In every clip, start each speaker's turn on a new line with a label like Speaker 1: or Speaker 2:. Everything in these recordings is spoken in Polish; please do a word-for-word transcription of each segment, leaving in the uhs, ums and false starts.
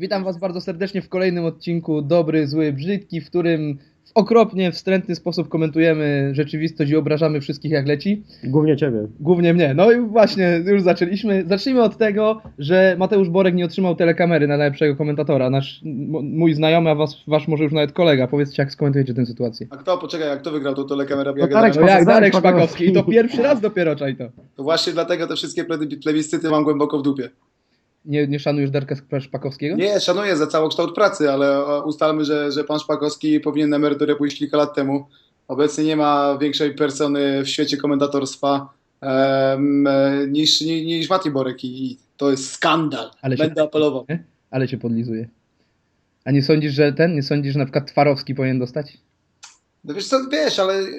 Speaker 1: Witam Was bardzo serdecznie w kolejnym odcinku Dobry, Zły, Brzydki, w którym w okropnie wstrętny sposób komentujemy rzeczywistość i obrażamy wszystkich jak leci.
Speaker 2: Głównie ciebie.
Speaker 1: Głównie mnie. No i właśnie, już zaczęliśmy. Zacznijmy od tego, że Mateusz Borek nie otrzymał telekamery na najlepszego komentatora. Nasz, m- mój znajomy, a was, wasz może już nawet kolega. Powiedzcie, jak skomentujecie tę sytuację.
Speaker 3: A kto, poczekaj, jak kto wygrał tą telekamera?
Speaker 2: No
Speaker 3: Ja
Speaker 2: Darek
Speaker 1: No jak
Speaker 2: Darek
Speaker 1: Darek
Speaker 2: Szpakowski.
Speaker 1: Szpakowski. I to pierwszy raz dopiero, czaj to.
Speaker 3: To właśnie dlatego te wszystkie ple- plebiscyty mam głęboko w dupie.
Speaker 1: Nie, nie szanujesz Darka Szpakowskiego?
Speaker 3: Nie, szanuję za całokształt pracy, ale e, ustalmy, że, że pan Szpakowski powinien na emeryturę pójść kilka lat temu. Obecnie nie ma większej persony w świecie komentatorstwa em, e, niż, niż, niż Mati Borek i, i to jest skandal.
Speaker 1: Ale się-
Speaker 3: Będę apelował.
Speaker 1: Nie? Ale cię podlizuje. A nie sądzisz, że ten, nie sądzisz, że na przykład Twarowski powinien dostać?
Speaker 3: No wiesz co, wiesz, ale y,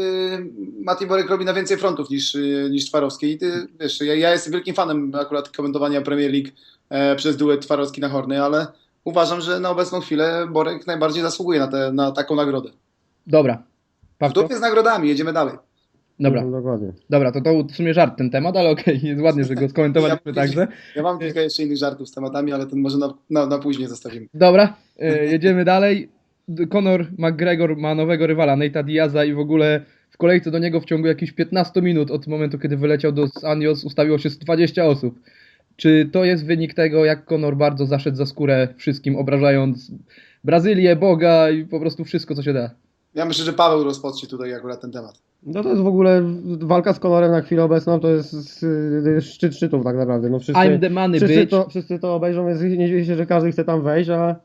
Speaker 3: Mati Borek robi na więcej frontów niż, y, niż Twarowski. I ty, wiesz, ja, ja jestem wielkim fanem akurat komentowania Premier League e, przez duet Twarowski na Horny, ale uważam, że na obecną chwilę Borek najbardziej zasługuje na, te, na taką nagrodę.
Speaker 1: Dobra.
Speaker 3: W
Speaker 1: Pawko?
Speaker 3: dupie z nagrodami, jedziemy dalej.
Speaker 1: Dobra.
Speaker 2: No, dokładnie.
Speaker 1: Dobra, to to w sumie żart ten temat, ale okej, jest ładnie, że go skomentowaliśmy
Speaker 3: Ja-
Speaker 1: także.
Speaker 3: Ja mam kilka jeszcze innych żartów z tematami, ale ten może na, na, na później zostawimy.
Speaker 1: Dobra, e, jedziemy dalej. D- Conor McGregor ma nowego rywala, Nate'a Diaza i w ogóle w kolejce do niego w ciągu jakichś piętnastu minut od momentu, kiedy wyleciał do Anjos, ustawiło się dwadzieścia osób. Czy to jest wynik tego, jak Conor bardzo zaszedł za skórę wszystkim, obrażając Brazylię, Boga i po prostu wszystko, co się da?
Speaker 3: Ja myślę, że Paweł rozpocznie tutaj akurat ten temat.
Speaker 2: No to jest w ogóle walka z Conorem na chwilę obecną, to jest y, szczyt szczytów tak naprawdę. No wszyscy,
Speaker 1: I'm the money,
Speaker 2: wszyscy,
Speaker 1: bitch.
Speaker 2: to, wszyscy to obejrzą, więc nie dziwię się, że każdy chce tam wejść, a,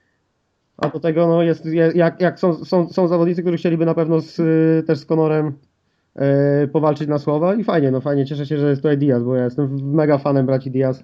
Speaker 2: a do tego no jest, je- jak, jak są, są, są zawodnicy, którzy chcieliby na pewno z, y, też z Conorem y, powalczyć na słowa i fajnie, no fajnie, cieszę się, że jest tutaj Diaz, bo ja jestem mega fanem braci Diaz.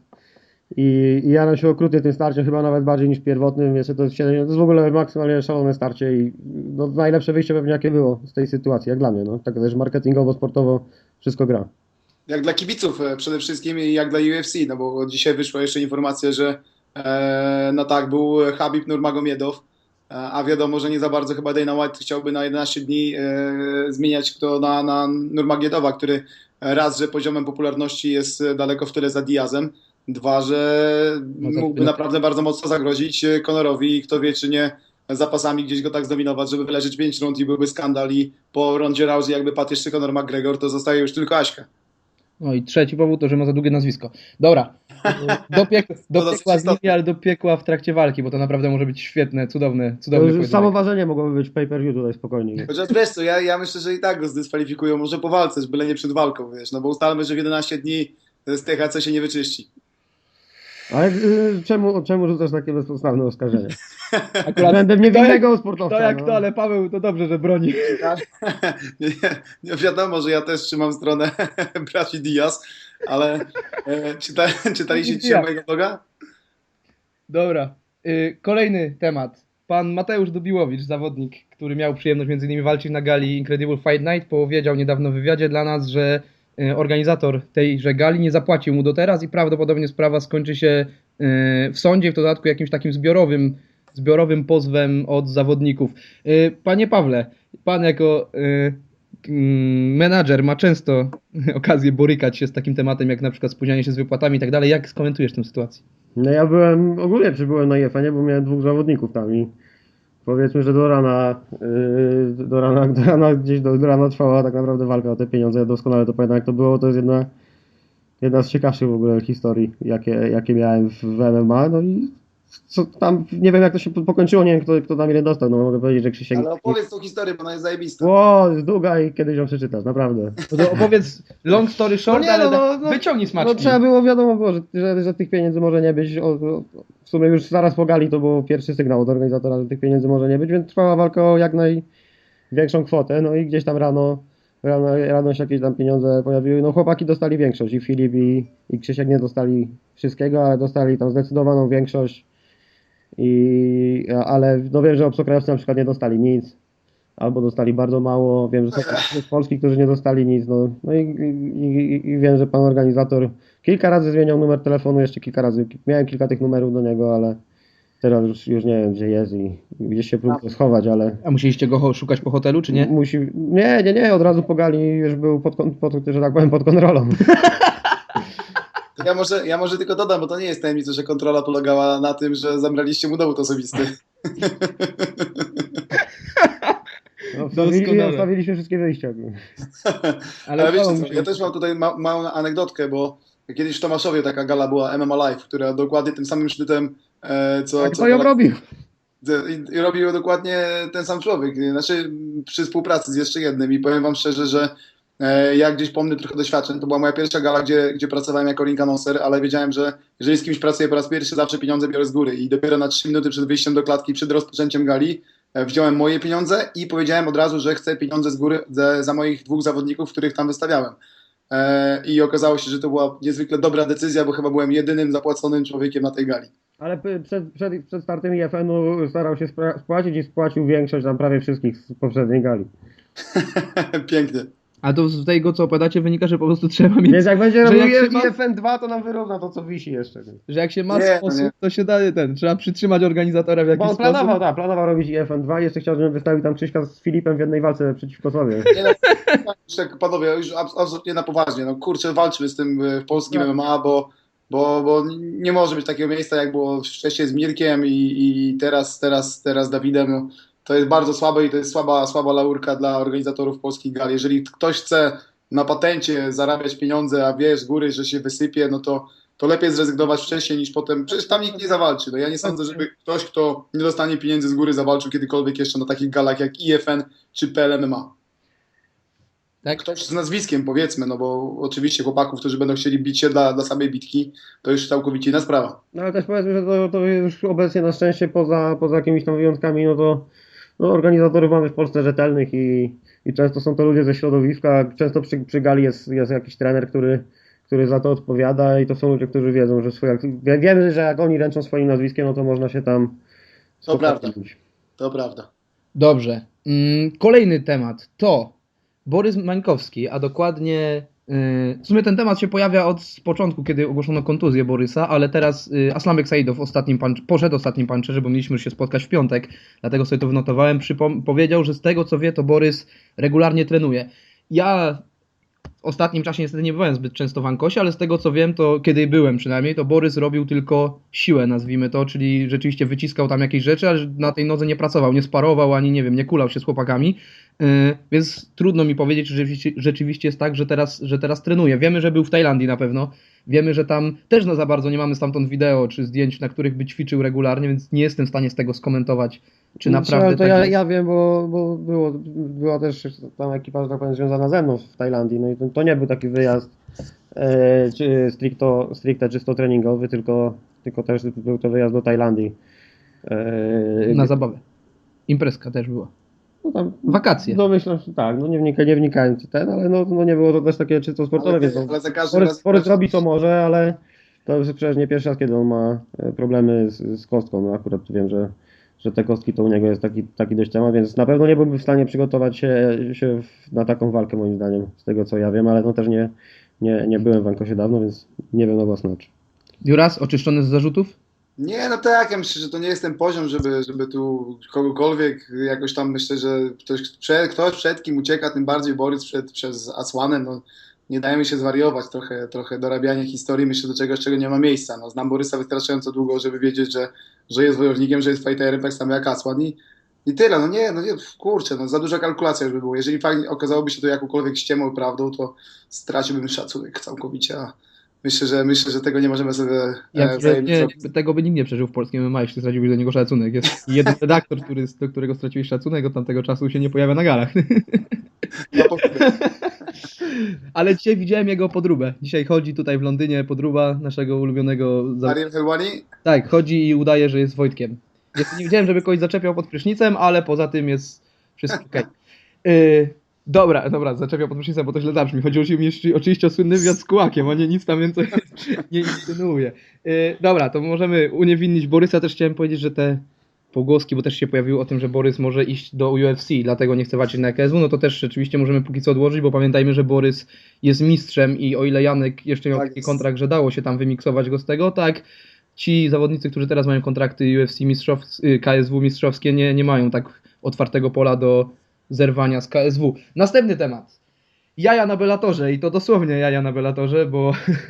Speaker 2: I, I jaram się okrutnie tym starciem, chyba nawet bardziej niż pierwotnym. Jeszcze to jest, siedem, to jest w ogóle maksymalnie szalone starcie i no, najlepsze wyjście pewnie jakie było z tej sytuacji, jak dla mnie. No. Tak też marketingowo, sportowo wszystko gra.
Speaker 3: Jak dla kibiców e, przede wszystkim i jak dla U F C, no bo dzisiaj wyszła jeszcze informacja, że e, no tak, był Habib Nurmagomiedow, e, a wiadomo, że nie za bardzo chyba Dana White chciałby na jedenaście dni e, zmieniać kto na, na Nurmagomiedowa, który raz, że poziomem popularności jest daleko w tyle za Diazem, dwa, że
Speaker 1: No za
Speaker 3: mógłby
Speaker 1: chwilę.
Speaker 3: naprawdę bardzo mocno zagrozić Conorowi i kto wie, czy nie zapasami gdzieś go tak zdominować, żeby wyleżeć pięć rund i byłby skandal i po rondzie Rousey jakby padł jeszcze Conor McGregor, to zostaje już tylko Aśka.
Speaker 1: No i trzeci powód to, że ma za długie nazwisko. Dobra, do, piek do
Speaker 3: To dosyć
Speaker 1: piekła z nimi,
Speaker 3: istotne.
Speaker 1: ale do piekła w trakcie walki, bo to naprawdę może być świetne, cudowne,
Speaker 2: To
Speaker 1: cudowne
Speaker 2: już
Speaker 1: pojedynek.
Speaker 2: samo ważenie mogłoby być pay-per-view tutaj spokojnie.
Speaker 3: Chociaż wiesz co, ja, ja myślę, że i tak go zdyskwalifikują, może po walce, byle nie przed walką, wiesz, no bo ustalmy, że w jedenaście dni z T H C się nie wyczyści.
Speaker 2: Ale y, czemu, czemu rzucasz takie bezpodstawne oskarżenie?
Speaker 1: Akurat
Speaker 2: Względem
Speaker 1: kto jak,
Speaker 2: niewinnego sportowca.
Speaker 1: kto jak
Speaker 2: no.
Speaker 1: to, ale Paweł to dobrze, że broni.
Speaker 3: nie, nie wiadomo, że ja też trzymam stronę braci Diaz, ale e, czyta, czytaliście dzisiaj mojego bloga?
Speaker 1: Dobra, y, kolejny temat. Pan Mateusz Dubiłowicz, zawodnik, który miał przyjemność między innymi walczyć na gali Incredible Fight Night, powiedział niedawno w wywiadzie dla nas, że y, organizator tejże gali nie zapłacił mu do teraz i prawdopodobnie sprawa skończy się y, w sądzie, w dodatku jakimś takim zbiorowym, zbiorowym pozwem od zawodników. Y, Panie Pawle, pan jako y, mm, menadżer ma często okazję borykać się z takim tematem, jak na przykład spóźnianie się z wypłatami i tak dalej. Jak skomentujesz tę sytuację?
Speaker 2: No ja byłem, ogólnie przybyłem na I F A, nie, bo miałem dwóch zawodników tam i powiedzmy, że do rana, yy, do rana, do rana gdzieś do, do rana trwała tak naprawdę walka o te pieniądze. Ja doskonale to pamiętam, jak to było. To jest jedna, jedna z ciekawszych w ogóle historii, jakie, jakie miałem w, w M M A. No i co tam, nie wiem jak to się po- pokończyło, nie wiem kto, kto tam ile dostał. No mogę powiedzieć, że Krzysiek...
Speaker 3: Ale opowiedz tą historię, bo ona jest zajebista.
Speaker 2: O, jest długa i kiedyś ją przeczytasz, naprawdę.
Speaker 1: No to opowiedz long story short,
Speaker 2: No nie,
Speaker 1: ale
Speaker 2: no,
Speaker 1: da-
Speaker 2: no, no,
Speaker 1: wyciągnij smaczki.
Speaker 2: No trzeba było, wiadomo było, że, że, że tych pieniędzy może nie być. O, o, w sumie już zaraz po gali to był pierwszy sygnał od organizatora, że tych pieniędzy może nie być, więc trwała walka o jak największą kwotę. No i gdzieś tam rano, rano, rano się jakieś tam pieniądze pojawiły. No chłopaki dostali większość i Filip i, i Krzysiek nie dostali wszystkiego, ale dostali tam zdecydowaną większość. I, ale no wiem, że obcokrajowcy na przykład nie dostali nic. Albo dostali bardzo mało, wiem, że są z Polski, którzy nie dostali nic, no, no i, i, i, i wiem, że pan organizator kilka razy zmieniał numer telefonu, jeszcze kilka razy, miałem kilka tych numerów do niego, ale teraz już, już nie wiem, gdzie jest i gdzieś się próbuje schować, ale
Speaker 1: A musieliście go ho- szukać po hotelu, czy nie?
Speaker 2: musi, nie, nie, nie, od razu po gali już był pod, kon- pod, że tak powiem, pod kontrolą.
Speaker 3: To ja może, ja może tylko dodam, bo to nie jest tajemnica, że kontrola polegała na tym, że zabraliście mu dowód osobisty.
Speaker 2: No, wstawili,
Speaker 1: Doskonale.
Speaker 2: wstawiliśmy wszystkie wyjścia.
Speaker 1: Ale
Speaker 3: Ale wiecie
Speaker 1: udało
Speaker 3: co,
Speaker 1: mi się.
Speaker 3: ja też mam tutaj ma, małą anegdotkę, bo kiedyś w Tomaszowie taka gala była M M A Live, która dokładnie tym samym sznytem, e, co,
Speaker 2: Tak,
Speaker 3: co
Speaker 2: to ją
Speaker 3: Polak-
Speaker 2: robił.
Speaker 3: I, i robił ją dokładnie ten sam człowiek, znaczy przy współpracy z jeszcze jednym i powiem wam szczerze, że e, ja gdzieś pomnę trochę doświadczeń, to była moja pierwsza gala, gdzie, gdzie pracowałem jako ring announcer, ale wiedziałem, że jeżeli z kimś pracuję po raz pierwszy, zawsze pieniądze biorę z góry i dopiero na trzy minuty przed wyjściem do klatki, przed rozpoczęciem gali e, wziąłem moje pieniądze i powiedziałem od razu, że chcę pieniądze z góry za, za moich dwóch zawodników, których tam wystawiałem. E, I okazało się, że to była niezwykle dobra decyzja, bo chyba byłem jedynym zapłaconym człowiekiem na tej gali.
Speaker 2: Ale p- przed, przed, przed startem I F N-u starał się spra- spłacić i spłacił większość tam prawie wszystkich z poprzedniej gali.
Speaker 3: Pięknie.
Speaker 1: A to z tego, co opowiadacie, wynika, że po prostu trzeba mieć...
Speaker 2: Więc jak będzie
Speaker 1: Że
Speaker 2: robił
Speaker 1: jak się ma-
Speaker 2: I F N dwa, to nam wyrówna to, co wisi jeszcze.
Speaker 1: Że jak się ma
Speaker 3: Nie,
Speaker 1: sposób,
Speaker 3: nie.
Speaker 1: to się daje ten. Trzeba przytrzymać organizatora w
Speaker 2: Bo
Speaker 1: jakiś
Speaker 2: on
Speaker 1: sposób.
Speaker 2: planował, tak, planował robić I F N dwa i jeszcze chciał, żebym wystawił tam Krzyśka z Filipem w jednej walce przeciwko sobie.
Speaker 3: Nie, no, tak, panowie, już abs- absolutnie na poważnie. No kurczę, walczmy z tym e, w polskim
Speaker 2: No.
Speaker 3: M M A, bo, bo, bo nie może być takiego miejsca, jak było wcześniej z Mirkiem i, i teraz, teraz, teraz Dawidem. No, to jest bardzo słabe i to jest słaba, słaba laurka dla organizatorów polskich gal. Jeżeli ktoś chce na patencie zarabiać pieniądze, a wie z góry, że się wysypie, no to, to lepiej zrezygnować wcześniej niż potem. Przecież tam nikt nie zawalczy. No ja nie sądzę, żeby ktoś, kto nie dostanie pieniędzy z góry, zawalczył kiedykolwiek jeszcze na takich galach jak I F N czy P L M M A.
Speaker 1: Tak?
Speaker 3: Ktoś z nazwiskiem, powiedzmy, no bo oczywiście chłopaków, którzy będą chcieli bić się dla, dla samej bitki, to już całkowicie inna sprawa.
Speaker 2: No ale też powiedzmy, że to, to już obecnie na szczęście poza, poza jakimiś tam wyjątkami, no to no, organizatorów mamy w Polsce rzetelnych i, i często są to ludzie ze środowiska, często przy, przy gali jest, jest jakiś trener, który, który za to odpowiada i to są ludzie, którzy wiedzą, że swoje, wie- wiemy, że jak oni ręczą swoim nazwiskiem, no to można się tam
Speaker 3: To prawda.
Speaker 2: spokojnie.
Speaker 3: To prawda.
Speaker 1: Dobrze. Mm, kolejny temat to Borys Mańkowski, a dokładnie yy, w sumie ten temat się pojawia od początku, kiedy ogłoszono kontuzję Borysa, ale teraz yy, Aslambek Saidow ostatnim punch, poszedł ostatnim puncherze, bo mieliśmy już się spotkać w piątek, dlatego sobie to wynotowałem, Przypom- powiedział, że z tego co wie, to Borys regularnie trenuje. Ja w ostatnim czasie niestety nie byłem zbyt często w Ankosie, ale z tego co wiem, to kiedy byłem przynajmniej, to Borys robił tylko siłę, nazwijmy to, czyli rzeczywiście wyciskał tam jakieś rzeczy, ale na tej nodze nie pracował, nie sparował, ani nie wiem, nie kulał się z chłopakami, yy, więc trudno mi powiedzieć, czy rzeczywiście, rzeczywiście jest tak, że teraz, że teraz trenuje. Wiemy, że był w Tajlandii na pewno, wiemy, że tam też no za bardzo nie mamy stamtąd wideo czy zdjęć, na których by ćwiczył regularnie, więc nie jestem w stanie z tego skomentować, czy naprawdę
Speaker 2: to
Speaker 1: tak
Speaker 2: ja,
Speaker 1: jest.
Speaker 2: ja wiem, bo, bo było, była też tam ekipa, że tak powiem, związana ze mną w Tajlandii, no i to, to nie był taki wyjazd e, czy stricto, stricte czysto treningowy, tylko, tylko też był to wyjazd do Tajlandii. E,
Speaker 1: Na zabawę. Imprezka też była.
Speaker 2: no tam,
Speaker 1: Wakacje.
Speaker 2: no myślę, że tak, no nie, wnika, nie wnikając w ten, ale no, no nie było to też takie czysto sportowe,
Speaker 3: Ale,
Speaker 2: więc no,
Speaker 3: ale za każdym
Speaker 2: Borys,
Speaker 3: razem...
Speaker 2: Borys robi co może, ale to już przecież nie pierwszy raz, kiedy on ma e, problemy z, z kostką, no akurat wiem, że że te kostki to u niego jest taki, taki dość temat, więc na pewno nie byłby w stanie przygotować się, się w, na taką walkę moim zdaniem, z tego co ja wiem, ale no też nie, nie, nie byłem w Ankosie dawno, więc nie wiem na własne oczy.
Speaker 1: Juras, oczyszczony z zarzutów?
Speaker 3: Nie, no tak, ja myślę, że to nie jest ten poziom, żeby, żeby tu kogokolwiek jakoś tam, myślę, że ktoś przed, ktoś przed kim ucieka, tym bardziej Borys przed, przez Asłanem, no nie dajemy się zwariować, trochę, trochę dorabianie historii, myślę, do czegoś, czego nie ma miejsca. No, znam Borysa wystarczająco długo, żeby wiedzieć, że, że jest wojownikiem, że jest fighterem, tak samo jak Asłan i, i tyle. No nie, no nie, kurczę, no za duża kalkulacja już by było. Jeżeli fakt okazałoby się to jakąkolwiek ściemą i prawdą, to straciłbym szacunek całkowicie, a myślę, że myślę, że tego nie możemy sobie
Speaker 1: Ja,
Speaker 3: e,
Speaker 1: że
Speaker 3: wzajemnie
Speaker 1: nie,
Speaker 3: zrobić.
Speaker 1: tego by nikt nie przeżył w polskim M M A, jeśli straciłbyś do niego szacunek. Jest jeden redaktor, który, do którego straciłeś szacunek, od tamtego czasu się nie pojawia na galach.
Speaker 3: No, powiem.
Speaker 1: Ale dzisiaj widziałem jego podróbę. Dzisiaj chodzi tutaj w Londynie podróba naszego ulubionego... za-
Speaker 3: Ariel Helwani?
Speaker 1: Tak, chodzi i udaje, że jest Wojtkiem. Jeszcze nie widziałem, żeby kogoś zaczepiał pod prysznicem, ale poza tym jest wszystko okej. Yy, dobra, dobra, zaczepiał pod prysznicem, bo to źle zabrzmi. Chodziło mi jeszcze oczywiście o słynny wywiad z Kułakiem, a nie nic tam więcej nie insynuuje. Yy, dobra, to możemy uniewinnić Borysa. Też chciałem powiedzieć, że te pogłoski, bo też się pojawiło o tym, że Borys może iść do U F C, dlatego nie chce walczyć na K S W, no to też rzeczywiście możemy póki co odłożyć, bo pamiętajmy, że Borys jest mistrzem i o ile Janek jeszcze miał
Speaker 3: Tak
Speaker 1: taki
Speaker 3: jest.
Speaker 1: kontrakt, że dało się tam wymiksować go z tego, tak ci zawodnicy, którzy teraz mają kontrakty U F C mistrzows- y, K S W mistrzowskie, nie, nie mają tak otwartego pola do zerwania z K S W. Następny temat. jaja na Bellatorze i to dosłownie jaja na Bellatorze, bo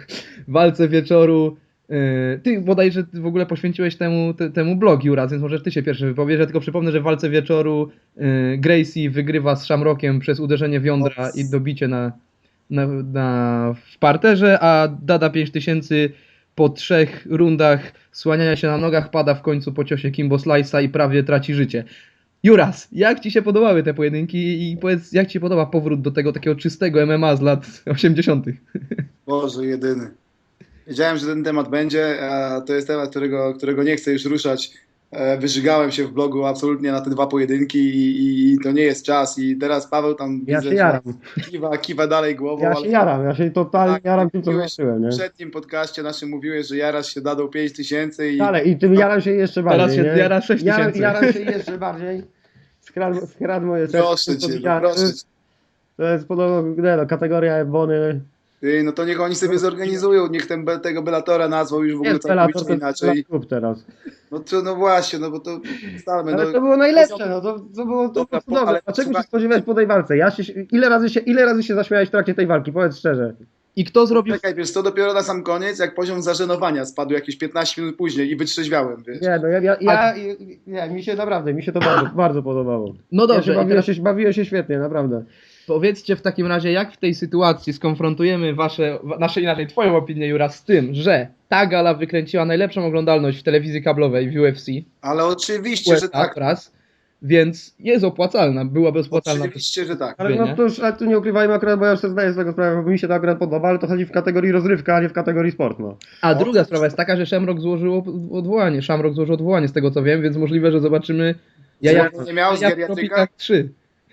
Speaker 1: w walce wieczoru yy, ty bodajże ty w ogóle poświęciłeś temu, te, temu blog, Juras, więc możesz ty się pierwszy wypowiedzieć. Ja tylko przypomnę, że w walce wieczoru yy, Gracie wygrywa z Shamrockiem przez uderzenie w jądra i dobicie na, na, na, w parterze, a Dada pięć tysięcy po trzech rundach słaniania się na nogach pada w końcu po ciosie Kimbo Slice'a i prawie traci życie. Juras, jak ci się podobały te pojedynki i powiedz, jak ci się podoba powrót do tego takiego czystego M M A z lat osiemdziesiątych?
Speaker 3: Boże, jedyny. Wiedziałem, że ten temat będzie, a to jest temat, którego, którego nie chcę już ruszać. E, Wyżygałem się w blogu absolutnie na te dwa pojedynki i, i to nie jest czas. I teraz Paweł tam
Speaker 2: Ja
Speaker 3: widzę,
Speaker 2: się
Speaker 3: że
Speaker 2: jaram.
Speaker 3: kiwa, kiwa dalej głową.
Speaker 2: Ja
Speaker 3: ale
Speaker 2: się jaram, ja się totalnie
Speaker 3: tak,
Speaker 2: jaram tym, co
Speaker 3: mówiłeś
Speaker 2: zobaczyłem, nie?
Speaker 3: w przednim podcaście naszym mówiłeś, że jarasz się dadą pięć tysięcy i
Speaker 2: Ale i tym jaram się jeszcze bardziej,
Speaker 1: Teraz się
Speaker 2: nie?
Speaker 1: jara sześć
Speaker 2: Jaram,
Speaker 1: tysięcy.
Speaker 2: jaram się jeszcze bardziej. Skradł, skradł moje serce.
Speaker 3: proszę
Speaker 2: to
Speaker 3: cię, no
Speaker 2: widziałem.
Speaker 3: proszę cię.
Speaker 2: To jest podobno, nie no, kategoria Ebony.
Speaker 3: Ty, no to niech oni sobie zorganizują, niech ten, be- tego Bellatora nazwał już w ogóle
Speaker 2: Jest Bellator,
Speaker 3: całkowicie
Speaker 2: to jest
Speaker 3: inaczej.
Speaker 2: klub teraz.
Speaker 3: No to no właśnie, no bo to ustalmy,
Speaker 2: Ale
Speaker 3: no.
Speaker 2: to było najlepsze, no to, to było to
Speaker 3: Dobra,
Speaker 2: było cudowne.
Speaker 3: ale
Speaker 2: Dlaczego się
Speaker 3: słuchaj-
Speaker 2: spodziewałeś po tej walce? Ja się, ile, razy się, ile razy się zaśmiałeś w trakcie tej walki? Powiedz szczerze.
Speaker 1: I kto zrobił...
Speaker 3: Czekaj, wiesz, to dopiero na sam koniec, jak poziom zażenowania spadł jakieś piętnaście minut później i wytrzeźwiałem, wiesz.
Speaker 2: Nie, no ja, ja, ja nie, mi się naprawdę, mi się to bardzo, bardzo podobało.
Speaker 1: No
Speaker 2: Ja
Speaker 1: dobrze,
Speaker 2: się
Speaker 1: i
Speaker 2: bawiłem,
Speaker 1: teraz
Speaker 2: się, bawiłem się świetnie, naprawdę.
Speaker 1: powiedzcie w takim razie, jak w tej sytuacji skonfrontujemy wasze, wa- nasze inaczej, twoją opinię, Juras, z tym, że ta gala wykręciła najlepszą oglądalność w telewizji kablowej w U F C,
Speaker 3: Ale oczywiście, że tak.
Speaker 1: raz, więc jest opłacalna, byłaby opłacalna.
Speaker 3: Oczywiście, że tak.
Speaker 2: Ale no
Speaker 1: nie?
Speaker 2: to już, ale tu nie ukrywajmy akurat, bo ja już sobie zdaję z tego sprawę, bo mi się to akurat podoba, ale to chodzi w kategorii rozrywka, a nie w kategorii sport, no.
Speaker 1: A
Speaker 3: O,
Speaker 1: druga sprawa jest taka, że Shamrock złożył odwołanie, Shamrock złożył odwołanie z tego co wiem, więc możliwe, że zobaczymy jaja,
Speaker 3: Zwolnienie miał z
Speaker 1: jaja w
Speaker 3: geriatryka?
Speaker 1: Tropikach trzy.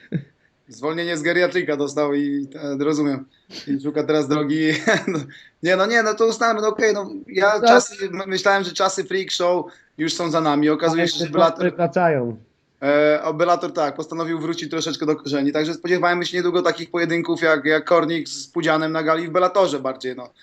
Speaker 3: Zwolnienie z geriatryka dostał i e, rozumiem. I szuka teraz drogi. No, nie, no nie, no to ustalmy, no okej, no ja
Speaker 1: Tak.
Speaker 3: czasy, myślałem, że czasy freak show już są za nami. Okazuje się, że Bellator,
Speaker 2: wracają.
Speaker 3: e, o, Bellator tak, postanowił wrócić troszeczkę do korzeni, także spodziewajmy się niedługo takich pojedynków jak, jak Kornik z Pudzianem na gali w Bellatorze bardziej, no.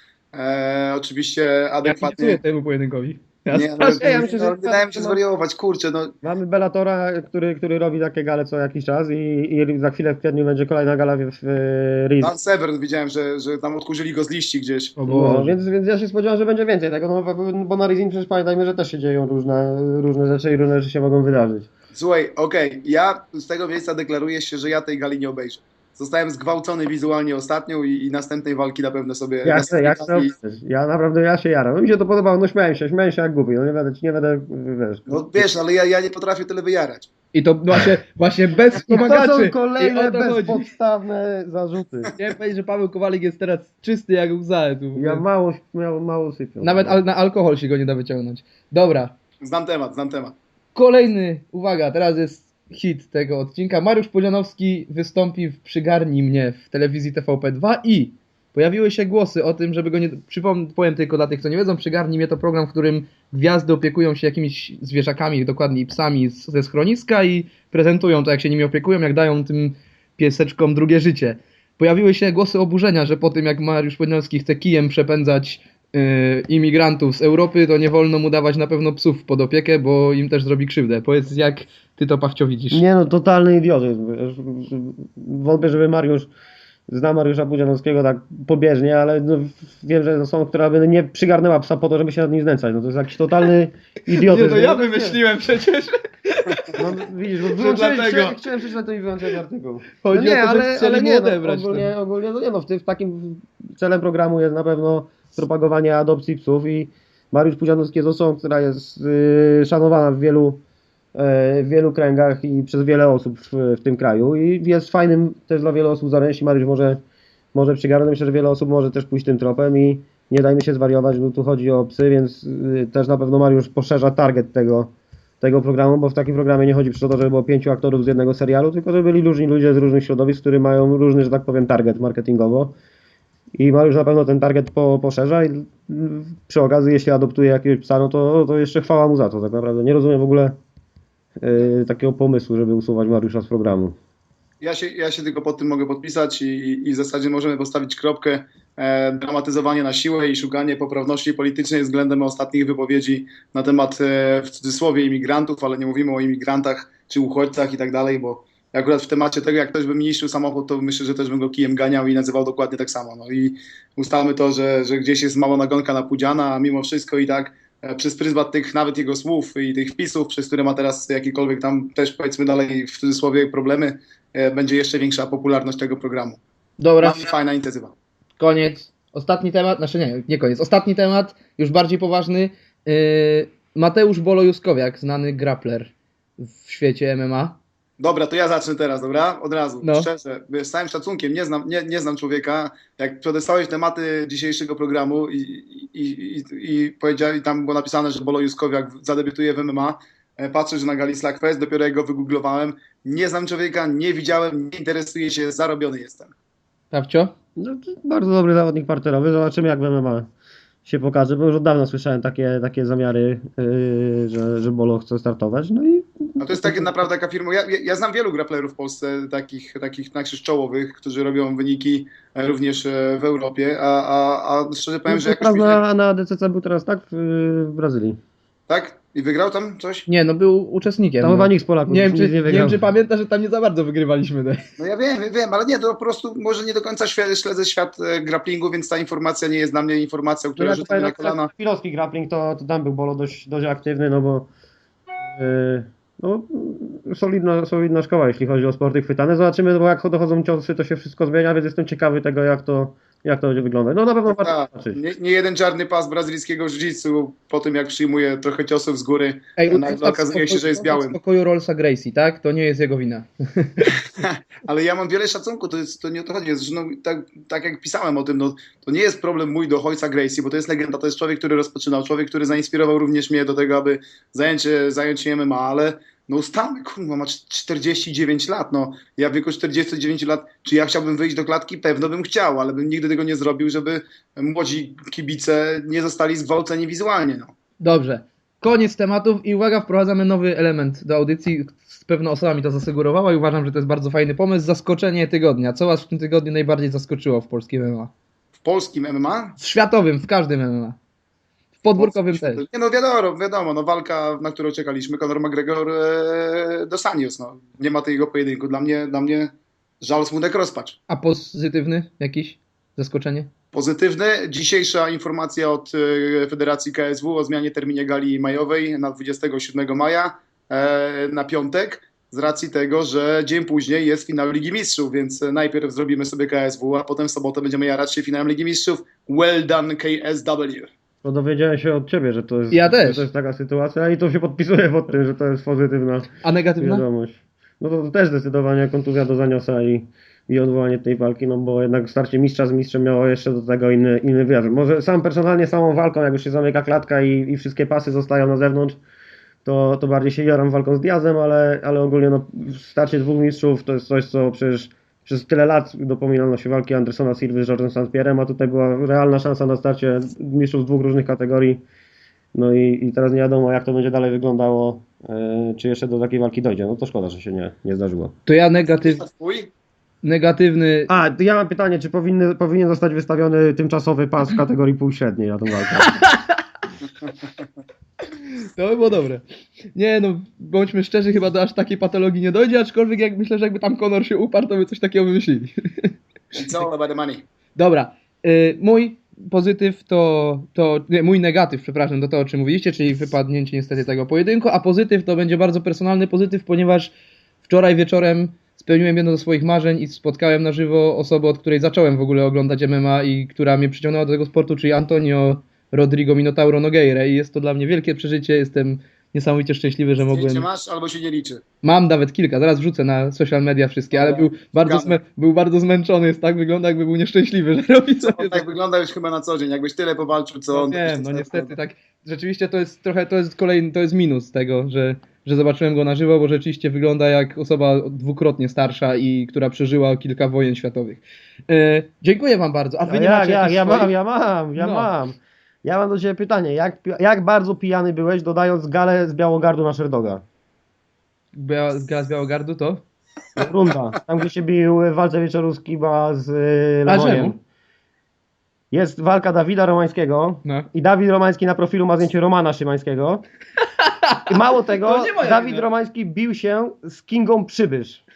Speaker 3: E, oczywiście
Speaker 1: Ja kibicuję
Speaker 3: adekwatnie.
Speaker 1: temu pojedynkowi. Ja
Speaker 3: Nie, no,
Speaker 1: strasznie-
Speaker 2: ja myślę, że-
Speaker 3: no, wydaje mi się zwariować, kurczę, no.
Speaker 2: Mamy Bellatora, który, który robi takie gale co jakiś czas i, i za chwilę w kwietniu będzie kolejna gala w, w Riz.
Speaker 3: Dan Severn widziałem, że, że tam odkurzyli go z liści gdzieś.
Speaker 1: O
Speaker 2: No,
Speaker 1: Boże.
Speaker 2: więc, więc ja się spodziewam, że będzie więcej tego, no, bo- bo na Rizin przecież pamiętajmy, że też się dzieją różne, różne rzeczy i różne rzeczy się mogą wydarzyć.
Speaker 3: Słuchaj, okej, ja z tego miejsca deklaruję się, że ja tej gali nie obejrzę. Zostałem zgwałcony wizualnie ostatnią i, i następnej walki na pewno sobie...
Speaker 2: Jak chcę,
Speaker 3: następnej
Speaker 2: jak chcę,
Speaker 3: gali-
Speaker 2: ja naprawdę, ja się jaram. Mi się to podobało, no śmiałem się, śmiałem się jak głupi, no nie będę, nie będę, wiesz.
Speaker 3: No wiesz, ale ja, ja nie potrafię tyle wyjarać.
Speaker 1: I to właśnie, właśnie bez
Speaker 2: I to
Speaker 1: wspomagaczy.
Speaker 2: są
Speaker 1: I
Speaker 2: kolejne
Speaker 1: o to chodzi.
Speaker 2: bezpodstawne zarzuty.
Speaker 1: Chciałem powiedzieć, że Paweł Kowalik jest teraz czysty jak łza. Tu.
Speaker 2: Ja mało, mało, mało sypią.
Speaker 1: Nawet al na alkohol się go nie da wyciągnąć. Dobra,
Speaker 3: Znam temat, znam temat.
Speaker 1: kolejny, uwaga, teraz jest hit tego odcinka. Mariusz Pudzianowski wystąpi w Przygarnij mnie w telewizji T V P dwa i pojawiły się głosy o tym, żeby go nie... Przypomnę, powiem tylko dla tych, co nie wiedzą, Przygarnij mnie to program, w którym gwiazdy opiekują się jakimiś zwierzakami, dokładniej psami z, ze schroniska i prezentują to, jak się nimi opiekują, jak dają tym pieseczkom drugie życie. Pojawiły się głosy oburzenia, że po tym, jak Mariusz Pudzianowski chce kijem przepędzać yy, imigrantów z Europy, to nie wolno mu dawać na pewno psów pod opiekę, bo im też zrobi krzywdę. Powiedz, jak ty to, Pawcio, widzisz?
Speaker 2: Nie no, totalny idiotyzm. Wiesz, wątpię, żeby Mariusz zna Mariusza Pudzianowskiego tak pobieżnie, ale no, wiem, że to są, która by nie przygarnęła psa po to, żeby się nad nim znęcać. No to jest jakiś totalny idiotyzm.
Speaker 1: Nie, no ja
Speaker 2: No,
Speaker 1: wymyśliłem przecież.
Speaker 2: No widzisz, bo wyłączyłeś,
Speaker 1: dlatego.
Speaker 2: chciałem, chciałem przeczytać to i wyłączyć artykuł. No
Speaker 1: Chodzi
Speaker 2: nie,
Speaker 1: o to, że
Speaker 2: ale,
Speaker 1: chcieli
Speaker 2: ale
Speaker 1: mu
Speaker 2: nie, no,
Speaker 1: odebrać
Speaker 2: ogólnie, ogólnie, no nie no, w, tym, w takim celem programu jest na pewno propagowanie adopcji psów i Mariusz Pudzianowski jest osobą, która jest y, szanowana w wielu, e, w wielu kręgach i przez wiele osób w, w tym kraju i jest fajnym też dla wielu osób zaręcznym. Mariusz może, może przygarnąć, myślę, że wiele osób może też pójść tym tropem i nie dajmy się zwariować, bo tu chodzi o psy, więc y, też na pewno Mariusz poszerza target tego, tego programu, bo w takim programie nie chodzi przecież o to, żeby było pięciu aktorów z jednego serialu, tylko żeby byli różni ludzie z różnych środowisk, którzy mają różny, że tak powiem, target marketingowo. I Mariusz na pewno ten target po, poszerza i mm, przy okazji, jeśli adoptuje jakiegoś psa, no to, to jeszcze chwała mu za to, tak naprawdę. Nie rozumiem w ogóle yy, takiego pomysłu, żeby usuwać Mariusza z programu.
Speaker 3: Ja się, ja się tylko pod tym mogę podpisać i, i, i w zasadzie możemy postawić kropkę. E, dramatyzowanie na siłę i szukanie poprawności politycznej względem ostatnich wypowiedzi na temat, e, w cudzysłowie, imigrantów, ale nie mówimy o imigrantach czy uchodźcach i tak dalej, bo Akurat w temacie tego, jak ktoś by mi niszczył samochód, to myślę, że też bym go kijem ganiał i nazywał dokładnie tak samo. No i ustalmy to, że, że gdzieś jest mała nagonka na Pudziana, a mimo wszystko i tak e, przez pryzmat tych nawet jego słów i tych wpisów, przez które ma teraz jakiekolwiek tam też powiedzmy dalej w cudzysłowie problemy, e, będzie jeszcze większa popularność tego programu.
Speaker 1: Dobra,
Speaker 3: Bardzo fajna inicjatywa.
Speaker 1: koniec. Ostatni temat, znaczy nie, nie koniec. Ostatni temat, już bardziej poważny. Yy, Mateusz Bolo Juskowiak, znany grappler w świecie M M A.
Speaker 3: Dobra, to ja zacznę teraz, dobra? Od razu,
Speaker 1: No.
Speaker 3: szczerze, wiesz, z całym szacunkiem, nie znam, nie, nie znam człowieka. Jak przedestałeś tematy dzisiejszego programu i, i, i, i powiedział, i tam było napisane, że Bolo Juskowiak zadebiutuje w M M A, e, patrzę, że na gali Slackfest, dopiero jak go wygooglowałem, nie znam człowieka, nie widziałem, nie interesuję się, zarobiony jestem.
Speaker 1: Pawcio?
Speaker 2: No, to bardzo dobry zawodnik parterowy, zobaczymy jak w M M A się pokaże, bo już od dawna słyszałem takie, takie zamiary, yy, że, że Bolo chce startować, no i
Speaker 3: A to jest tak naprawdę taka firma, ja, ja, ja znam wielu grapplerów w Polsce, takich, takich najkrzyż czołowych, którzy robią wyniki e, również e, w Europie, a, a, a szczerze powiem, że jakoś mi się,
Speaker 2: na, na D C C był teraz tak w, w Brazylii.
Speaker 3: tak? I wygrał tam coś?
Speaker 1: Nie, no był uczestnikiem.
Speaker 2: Tam
Speaker 1: no.
Speaker 2: chyba nikt z Polaków
Speaker 1: Nie wiem,
Speaker 2: nic
Speaker 1: czy,
Speaker 2: nie
Speaker 1: nie
Speaker 2: wygrał.
Speaker 1: wiem, czy pamiętasz, że tam nie za bardzo wygrywaliśmy. Te.
Speaker 3: No ja wiem, wiem, ale nie, to po prostu może nie do końca śle- śledzę świat e, grapplingu, więc ta informacja nie jest dla mnie informacją,
Speaker 2: No
Speaker 3: która
Speaker 2: ja
Speaker 3: rzuca
Speaker 2: tutaj
Speaker 3: mnie na
Speaker 2: na przykład
Speaker 3: kolana.
Speaker 2: Chwilowski grappling to, to tam był Bolo dość, dość aktywny, no bo yy, no, solidna, solidna szkoła, jeśli chodzi o sporty chwytane. Zobaczymy, bo jak dochodzą ciosy, to się wszystko zmienia, więc jestem ciekawy tego, jak to, jak to będzie wyglądać. No na pewno warto
Speaker 3: Tak,
Speaker 2: zobaczyć.
Speaker 3: nie, nie jeden czarny pas brazylijskiego jiu-jitsu po tym, jak przyjmuje trochę ciosów z góry,
Speaker 1: Ej,
Speaker 3: nagle okazuje się, że jest białym.
Speaker 1: W spokoju Rollsa Gracie, tak? To nie jest jego wina.
Speaker 3: Ale ja mam wiele szacunku, to, jest, to nie o to chodzi. Jest, no, tak, tak jak pisałem o tym, no, to nie jest problem mój do ojca Gracie, bo to jest legenda, to jest człowiek, który rozpoczynał, człowiek, który zainspirował również mnie do tego, aby zająć się, zająć się M M A, ale no ustalmy, kurwa, ma czterdzieści dziewięć lat, no ja w wieku czterdziestu dziewięciu lat, czy ja chciałbym wyjść do klatki? Pewno bym chciał, ale bym nigdy tego nie zrobił, żeby młodzi kibice nie zostali zgwałceni wizualnie, no.
Speaker 1: Dobrze. Koniec tematów i uwaga, wprowadzamy nowy element do audycji. Z pewną osoba mi to zasugerowała i uważam, że to jest bardzo fajny pomysł. Zaskoczenie tygodnia. Co was w tym tygodniu najbardziej zaskoczyło w polskim M M A?
Speaker 3: W polskim M M A?
Speaker 1: W światowym, w każdym M M A. W podwórkowym też.
Speaker 3: Nie no wiadomo, wiadomo, no walka, na którą czekaliśmy, Conor McGregor e, do Sanios, no. Nie ma tego pojedynku. Dla mnie, dla mnie żal, smutek, rozpacz.
Speaker 1: A pozytywny jakiś? Zaskoczenie?
Speaker 3: Pozytywny. Dzisiejsza informacja od e, Federacji K S W o zmianie terminie gali majowej na dwudziestego siódmego maja e, na piątek, z racji tego, że dzień później jest finał Ligi Mistrzów, więc najpierw zrobimy sobie K S W, a potem w sobotę będziemy jarać się finałem Ligi Mistrzów. Well done K S W.
Speaker 2: No dowiedziałem się od ciebie, że to jest,
Speaker 1: Ja też.
Speaker 2: że to jest taka sytuacja i to się podpisuję pod tym, że to jest pozytywna
Speaker 1: A negatywna?
Speaker 2: wiadomość. No to, to też zdecydowanie kontuzja do Zaniosa i, i odwołanie tej walki, no bo jednak starcie mistrza z mistrzem miało jeszcze do tego inny, inny wymiar. Może sam personalnie samą walką, jak już się zamyka klatka i, i wszystkie pasy zostają na zewnątrz, to, to bardziej się jaram walką z Diazem, ale, ale ogólnie no, starcie dwóch mistrzów to jest coś, co przecież przez tyle lat dopominano się walki Andersona Silwy z George'em Saint Pierre'em, a tutaj była realna szansa na starcie mistrzów z dwóch różnych kategorii. No i, i teraz nie wiadomo, jak to będzie dalej wyglądało, yy, czy jeszcze do takiej walki dojdzie. No to szkoda, że się nie, nie zdarzyło.
Speaker 1: To ja negatyw,
Speaker 3: Twój?
Speaker 1: negatywny.
Speaker 2: A, ja mam pytanie, czy powinny, powinien zostać wystawiony tymczasowy pas w kategorii półśredniej na tą walkę?
Speaker 1: To by było dobre. Nie no, bądźmy szczerzy, chyba do aż takiej patologii nie dojdzie, aczkolwiek jak myślę, że jakby tam Conor się uparł, to by coś takiego wymyślili.
Speaker 3: It's all about the money.
Speaker 1: Dobra, y, mój pozytyw to, to nie, mój negatyw, przepraszam, to to o czym mówiliście, czyli wypadnięcie niestety tego pojedynku, a pozytyw to będzie bardzo personalny pozytyw, ponieważ wczoraj wieczorem spełniłem jedno ze swoich marzeń i spotkałem na żywo osobę, od której zacząłem w ogóle oglądać M M A i która mnie przyciągnęła do tego sportu, czyli Antonio Rodrigo Minotauro Nogueira i jest to dla mnie wielkie przeżycie, jestem niesamowicie szczęśliwy, że mogłem...
Speaker 3: Zdjęcie masz albo się nie liczy.
Speaker 1: Mam nawet kilka, zaraz wrzucę na social media wszystkie, ale
Speaker 3: Dobra,
Speaker 1: był bardzo,
Speaker 3: zgadzam.
Speaker 1: zmę- był bardzo zmęczony, jest tak wygląda, jakby był nieszczęśliwy, że robi sobie
Speaker 3: On tak wygląda już chyba na co dzień. Jakbyś tyle powalczył, co on.
Speaker 1: no
Speaker 3: to byś
Speaker 1: wiem,
Speaker 3: to
Speaker 1: no
Speaker 3: sobie
Speaker 1: niestety
Speaker 3: opowiadał.
Speaker 1: tak, rzeczywiście to jest trochę, to jest kolejny, to jest minus tego, że, że zobaczyłem go na żywo, bo rzeczywiście wygląda jak osoba dwukrotnie starsza i która przeżyła kilka wojen światowych. E, dziękuję wam bardzo, a wy
Speaker 2: A
Speaker 1: nie
Speaker 2: jak,
Speaker 1: macie
Speaker 2: jak,
Speaker 1: jakichś
Speaker 2: ja
Speaker 1: swoich-
Speaker 2: mam, ja mam, ja
Speaker 1: No.
Speaker 2: mam. Ja mam do ciebie pytanie, jak, pi- jak bardzo pijany byłeś, dodając galę z Białogardu na Sherdoga?
Speaker 1: Bia- Gra z Białogardu to?
Speaker 2: Runda, tam gdzie się bił w walce wieczoru z Kiba z y,
Speaker 1: A
Speaker 2: Lewojem.
Speaker 1: czemu?
Speaker 2: Jest walka Dawida Romańskiego
Speaker 1: No.
Speaker 2: i Dawid Romański na profilu ma zdjęcie Romana Szymańskiego. I mało tego,
Speaker 1: To nie moja
Speaker 2: Dawid
Speaker 1: wina.
Speaker 2: Romański bił się z Kingą Przybysz.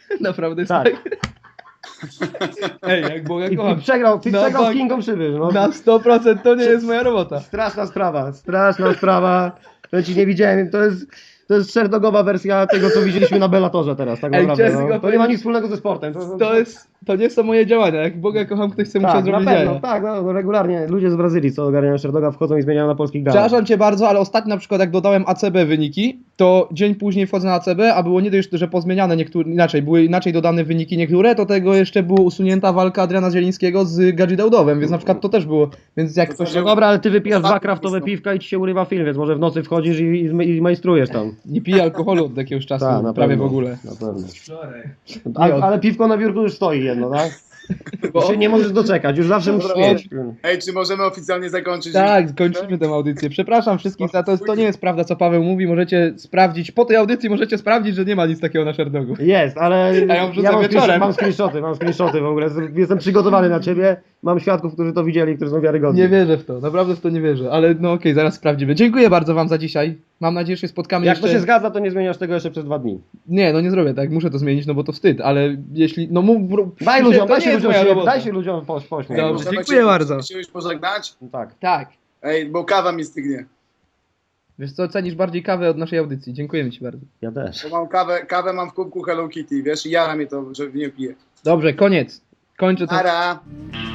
Speaker 1: Naprawdę jest
Speaker 2: Tak.
Speaker 1: tak. Ej, jak Boga
Speaker 2: I, i
Speaker 1: kocham.
Speaker 2: przegrał, i
Speaker 1: Na
Speaker 2: przegrał z
Speaker 1: bank-
Speaker 2: Kingą Przybysz. No.
Speaker 1: Na sto procent to nie jest moja robota.
Speaker 2: Straszna sprawa, straszna sprawa. To ci nie widziałem, to jest, to jest szerdogowa wersja tego, co widzieliśmy na Bellatorze teraz, tak
Speaker 1: Ej,
Speaker 2: naprawdę.
Speaker 1: chciałem
Speaker 2: No.
Speaker 1: tylko
Speaker 2: To nie ma
Speaker 1: powiedzieć-
Speaker 2: nic wspólnego ze sportem. To,
Speaker 1: To jest, to nie są moje działania. Jak Boga kocham, ktoś chce musiał
Speaker 2: tak, na
Speaker 1: zrobić
Speaker 2: pewno,
Speaker 1: jaja.
Speaker 2: tak, no, regularnie ludzie z Brazylii, co ogarniają szerdoga, wchodzą i zmieniają na polskich galach.
Speaker 1: Przepraszam cię bardzo, ale ostatnio na przykład jak dodałem A C B wyniki, to dzień później wchodzę na A C B, a było nie dość, że pozmieniane niektóre, inaczej, były inaczej dodane wyniki niektóre, to tego jeszcze było usunięta walka Adriana Zielińskiego z Gadzi Daudowem, więc na przykład to też było, więc jak ktoś...
Speaker 2: No dobra, ale ty wypijasz dwa
Speaker 3: Ostatni
Speaker 2: kraftowe
Speaker 3: wystąp.
Speaker 2: piwka i ci się urywa film, więc może w nocy wchodzisz i, i, i majstrujesz tam.
Speaker 1: Nie piję alkoholu od jakiegoś czasu,
Speaker 2: Tak, na
Speaker 1: prawie
Speaker 2: pewno,
Speaker 1: w ogóle.
Speaker 2: Na pewno.
Speaker 4: Wczoraj.
Speaker 2: Ale, ale piwko na biurku już stoi jedno, tak? Bo się nie możesz doczekać, już zawsze musisz
Speaker 3: Dobra,
Speaker 2: mieć.
Speaker 3: Ej, czy możemy oficjalnie zakończyć?
Speaker 1: Tak, kończymy tę audycję. Przepraszam wszystkich za to, to nie jest prawda, co Paweł mówi, możecie sprawdzić, po tej audycji możecie sprawdzić, że nie ma nic takiego na Szerdogu.
Speaker 2: Jest, ale
Speaker 1: A ja wrzucę
Speaker 2: mam,
Speaker 1: wieczorem.
Speaker 2: screen- mam screenshoty, mam screenshoty w ogóle. Jestem przygotowany na ciebie. Mam świadków, którzy to widzieli, którzy są wiarygodni.
Speaker 1: Nie wierzę w to, naprawdę w to nie wierzę, ale no okej, zaraz sprawdzimy. Dziękuję bardzo wam za dzisiaj. Mam nadzieję, że się spotkamy
Speaker 2: Jak
Speaker 1: jeszcze...
Speaker 2: to się zgadza, to nie zmieniasz tego jeszcze przez dwa dni.
Speaker 1: Nie, no nie zrobię tak, muszę to zmienić, no bo to wstyd, ale jeśli... No mów...
Speaker 2: Daj
Speaker 1: to
Speaker 2: ludziom,
Speaker 1: nie
Speaker 2: daj się
Speaker 1: jest
Speaker 2: ludziom,
Speaker 1: moja
Speaker 2: się,
Speaker 1: robota.
Speaker 2: daj się ludziom poś, pośmiać.
Speaker 1: Dobrze.
Speaker 3: Możemy
Speaker 1: dziękuję
Speaker 3: się,
Speaker 1: bardzo.
Speaker 3: się już pożegnać?
Speaker 2: No tak.
Speaker 1: Tak.
Speaker 3: Ej, bo kawa mi stygnie.
Speaker 1: Wiesz co, cenisz bardziej kawę od naszej audycji. Dziękujemy ci bardzo.
Speaker 2: Ja też.
Speaker 3: Bo mam kawę, kawę mam w kubku Hello Kitty, wiesz, i jara mnie to, że nie piję.
Speaker 1: Dobrze, koniec. Kończę to.
Speaker 3: Ara!